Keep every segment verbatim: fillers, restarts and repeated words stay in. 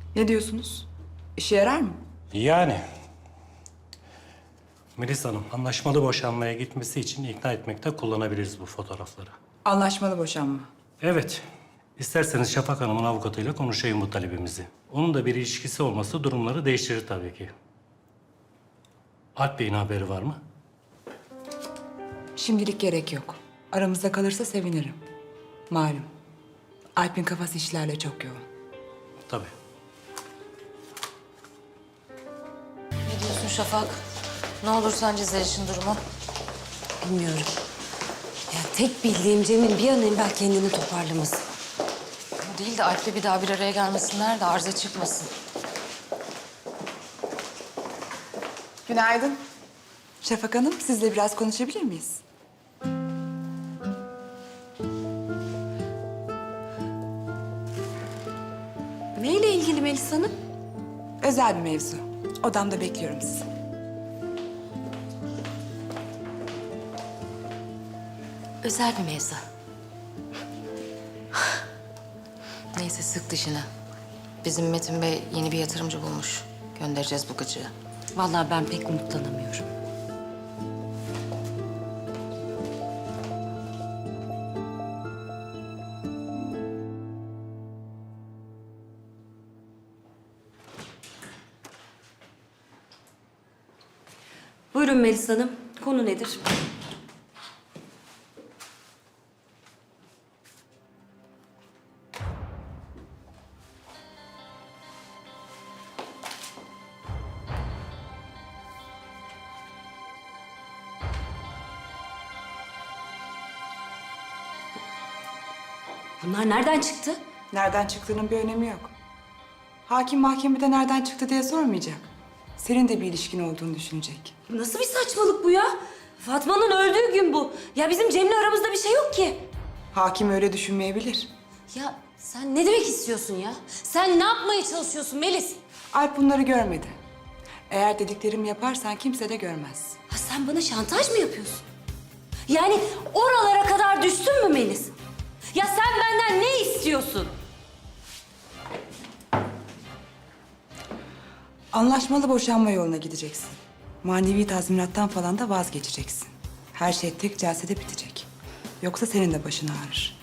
Ne diyorsunuz? İşe yarar mı? Yani. Melis Hanım, anlaşmalı boşanmaya gitmesi için ikna etmekte kullanabiliriz bu fotoğrafları. Anlaşmalı boşanma. Evet. İsterseniz Şafak Hanım'ın avukatıyla konuşayım bu talebimizi. Onun da bir ilişkisi olması durumları değiştirir tabii ki. Alp Bey'in haberi var mı? Şimdilik gerek yok. Aramızda kalırsa sevinirim. Malum. Alp'in kafası işlerle çok yoğun. Tabii. Ne diyorsun Şafak? Ne olur sence Zeliş'in durumu? Bilmiyorum. Ya tek bildiğim Cem'in bir an evvel kendini toparlaması. Bu değil de Alp'le bir daha bir araya gelmesinler de arıza çıkmasın. Günaydın. Şafak Hanım, sizle biraz konuşabilir miyiz? Neyle ilgili Melis Hanım? Özel bir mevzu. Odamda bekliyorum sizi. Özel bir mevzu. Neyse sık dişine. Bizim Metin Bey yeni bir yatırımcı bulmuş. Göndereceğiz bu gıcığı. Vallahi ben pek umutlanamıyorum. Buyurun Melis Hanım. Konu nedir? Bunlar nereden çıktı? Nereden çıktığının bir önemi yok. Hakim mahkemede nereden çıktı diye sormayacak. Senin de bir ilişkin olduğunu düşünecek. Nasıl bir saçmalık bu ya? Fatma'nın öldüğü gün bu. Ya bizim Cem'le aramızda bir şey yok ki. Hakim öyle düşünmeyebilir. Ya sen ne demek istiyorsun ya? Sen ne yapmaya çalışıyorsun Melis? Alp bunları görmedi. Eğer dediklerimi yaparsan kimse de görmez. Ha sen bana şantaj mı yapıyorsun? Yani oralara kadar düştün mü Melis? Ya sen benden ne istiyorsun? Anlaşmalı boşanma yoluna gideceksin. Manevi tazminattan falan da vazgeçeceksin. Her şey tek celsede bitecek. Yoksa senin de başın ağrır.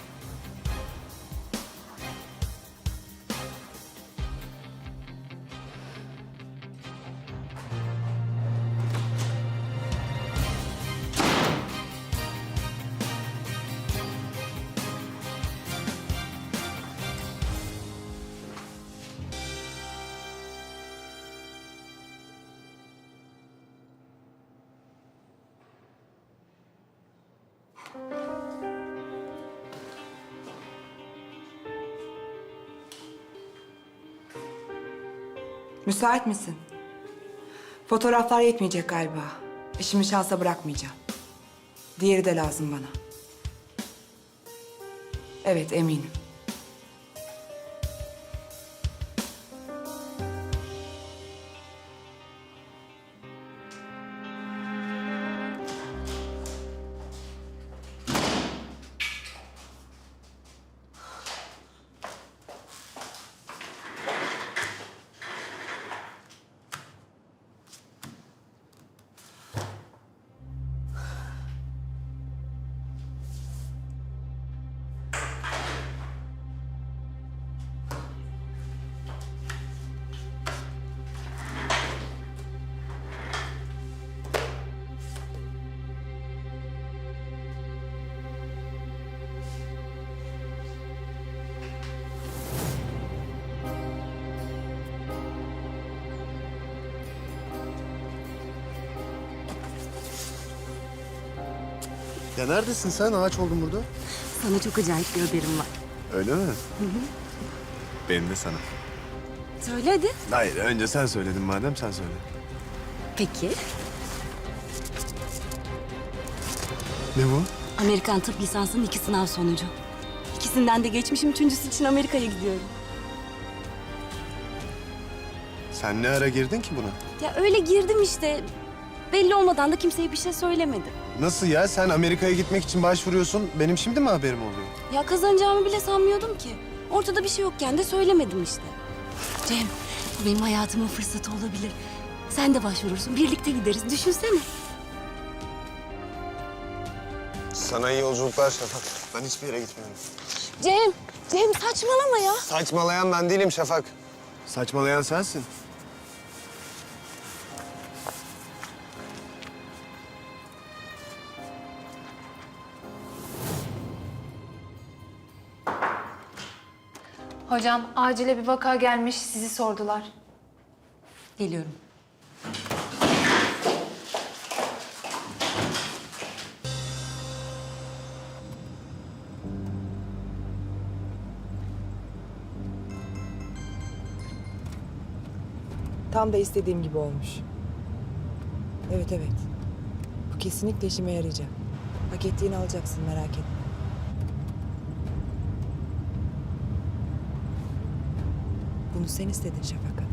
Müsait misin? Fotoğraflar yetmeyecek galiba. İşimi şansa bırakmayacağım. Diğeri de lazım bana. Evet, eminim. Ya neredesin sen? Ağaç oldun burada. Sana çok acayip bir haberim var. Öyle mi? Hı hı. Benim de sana. Söyle hadi. Hayır, önce sen söyledin madem, sen söyle. Peki. Ne bu? Amerikan tıp lisansının iki sınav sonucu. İkisinden de geçmişim. Üçüncüsü için Amerika'ya gidiyorum. Sen ne ara girdin ki buna? Ya öyle girdim işte. Belli olmadan da kimseye bir şey söylemedim. Nasıl ya? Sen Amerika'ya gitmek için başvuruyorsun. Benim şimdi mi haberim oluyor? Ya kazanacağımı bile sanmıyordum ki. Ortada bir şey yokken de söylemedim işte. Cem, bu benim hayatımın fırsatı olabilir. Sen de başvurursun, birlikte gideriz. Düşünsene. Sana iyi yolculuklar Şafak. Ben hiçbir yere gitmiyorum. Cem, Cem saçmalama ya. Saçmalayan ben değilim Şafak. Saçmalayan sensin. Hocam acile bir vaka gelmiş, sizi sordular. Geliyorum. Tam da istediğim gibi olmuş. Evet evet. Bu kesinlikle işime yarayacak. Hak ettiğini alacaksın, merak etme. Bunu sen istedin Şafak Hanım.